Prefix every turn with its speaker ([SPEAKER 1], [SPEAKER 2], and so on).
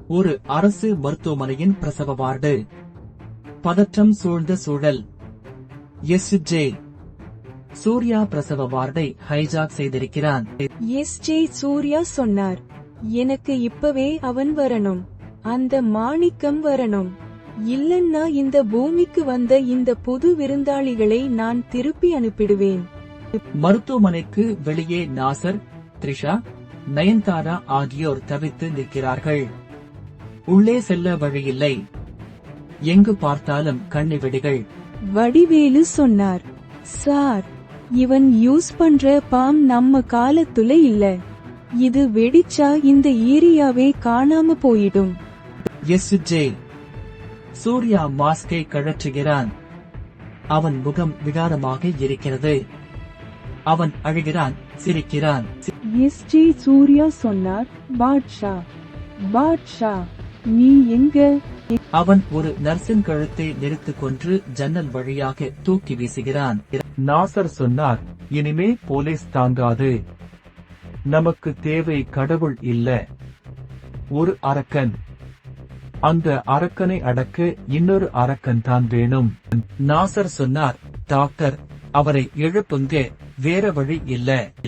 [SPEAKER 1] ஒரு அரசு மருத்துவமனையின் பிரசவ வார்டு. பதற்றம் சூழ்ந்த சூழல். எஸ்.ஜே. சூர்யா பிரசவ வார்டை ஹைஜாக் செய்திருக்கிறான்.
[SPEAKER 2] எஸ்.ஜே. சூர்யா சொன்னார், எனக்கு இப்பவே அவன் வரணும், அந்த மாணிக்கம் வரணும், இல்லன்னா இந்த பூமிக்கு வந்த இந்த புது விருந்தாளிகளை நான் திருப்பி அனுப்பிடுவேன்.
[SPEAKER 1] மருத்துவமனைக்கு வெளியே நாசர், த்ரிஷா, நயன்தாரா ஆகியோர் தவித்து நிற்கிறார்கள். உள்ளே செல்ல வழியில்லை. எங்கு பார்த்தாலும் கண்ணிவெடிகள்.
[SPEAKER 2] வடிவேலு சொன்னார், சார், இவன் யூஸ் பண்ற பாம் நம்ம காலத்துல இல்ல, இது வெடிச்சா இந்த ஏரியாவே காணாம போயிடும்.
[SPEAKER 1] எஸ்.ஜே. சூர்யா மாஸ்கை கழற்றுகிறான். அவன் முகம் விகாரமாக இருக்கிறது. அவன் அழுகிறான், சிரிக்கிறான்.
[SPEAKER 2] எஸ்.ஜே. சூர்யா சொன்னார், பாட்ஷா, பாட்ஷா, நீ எங்க?
[SPEAKER 1] அவன் ஒரு நர்சின் கழுத்தை நெரித்துக் கொன்று ஜன்னல் வழியாக தூக்கி வீசுகிறான். நாசர் சொன்னார், இனிமே போலீஸ் தாங்காது, நமக்கு தேவை கடவுள் இல்ல, ஒரு அரக்கன். அந்த அரக்கனை அடக்க இன்னொரு அரக்கன் தான் வேணும். நாசர் சொன்னார், டாக்டர், அவரை எழுப்புங்க, வேற வழி இல்ல.